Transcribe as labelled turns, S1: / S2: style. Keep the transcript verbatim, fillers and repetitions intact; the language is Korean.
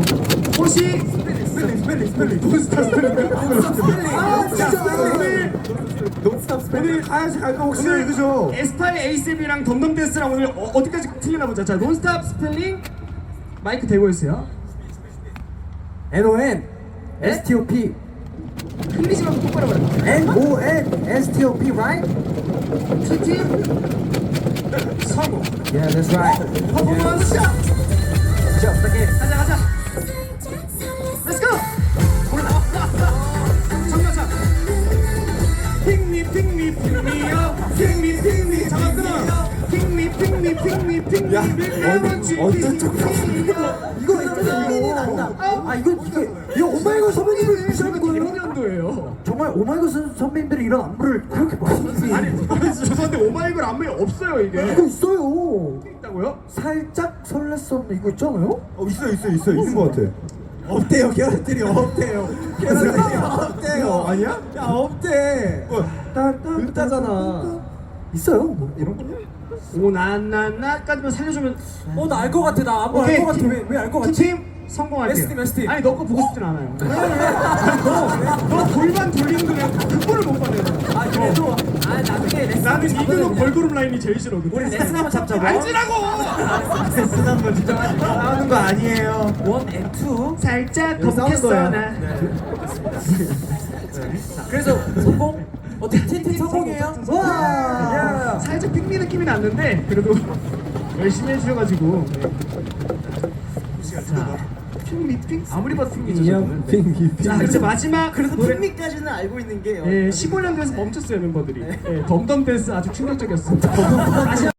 S1: 혹시 스펠링 스펠링 스펠링 돈스타 스펠링 아 진짜 오늘 돈스타 스펠링 오늘 가야지 갈까 혹시 오늘 그죠? 에스파의 에이셉이랑 덤덤댄스랑 오늘 어, 어디까지 틀리나 보자. 자 논스탑 스펠링 마이크 대고 있어요.
S2: N O N S T O P
S1: 흘리지 말고 똑바로 말해.
S2: N O N S T O P right?
S1: 티팀 성공.
S2: Yeah, that's right.
S1: 퍼포먼스 샷.
S2: 자, 부탁해.
S1: 가자 가자. Let's go. 올라. 정면차. 핑미 핑미 핑미요. 핑미 핑미 잠깐 끊어. 핑미 핑미 핑미 핑미.
S2: 야, 어느 어떤 쪽 이거 있잖아 이거. 아 이거 이게 이거 오마이걸 선배님을 무시하는 거예요?
S1: 이런 년도예요.
S2: 정말 오마이걸 선- 선배님들이 이런 안무를 그렇게 멋있게
S1: 아니 죄송한데 오마이걸 안무에 없어요 이게.
S2: 이거 있어요.
S1: 있다고요?
S2: 살짝 설렜었는데 이거 있잖아요?
S3: 어 있어 있어 있어 있는 것 같아.
S2: 없대요 캐럿들이 없대요 캐럿들이 없대요
S3: 아니야?
S2: 야 없대
S3: 글자잖아.
S2: 있어요 뭐 이런 거
S1: 오나나나까지만 살려주면
S2: 어 나 알 것 같아 나 안무
S1: 오케이.
S2: 알 것 같아 왜 왜 알 것 같지?
S1: 팀 성공할게요.
S2: S팀, S팀.
S1: 아니 너 거 보고 싶진 않아요. 너너 골반 돌리는 거 내가 그거를 못 받아요.
S2: 아 그래도 아 나중에 레슨
S1: 나는 이근호 걸그룹 라인이 제일 싫어.
S2: 우리 레슨 한번 잡자고
S1: 앉으라고.
S2: 레슨 한번 진정하지
S3: 싸우는 거 아니에요.
S2: 원 앤 투
S1: 살짝
S2: 이거 싸우는
S1: 겁겠어
S2: 거예요.
S1: 나.
S2: 그래서 성공? 어떻게 팀팀 성공이에요? 와
S1: 살짝 핑미 느낌이 났는데 그래도 열심히 해주셔가지고. 자, 핑미 핑 아무리 봐도 핑미죠. 저는.
S3: 핑미
S1: 자 이제 마지막
S4: 그래도
S1: 노래.
S4: 핑미까지는 알고 있는 게
S1: 예, 십오 년도에서 멈췄어요 멤버들이. 예, 덤덤 댄스 아주 충격적이었습니다. 다시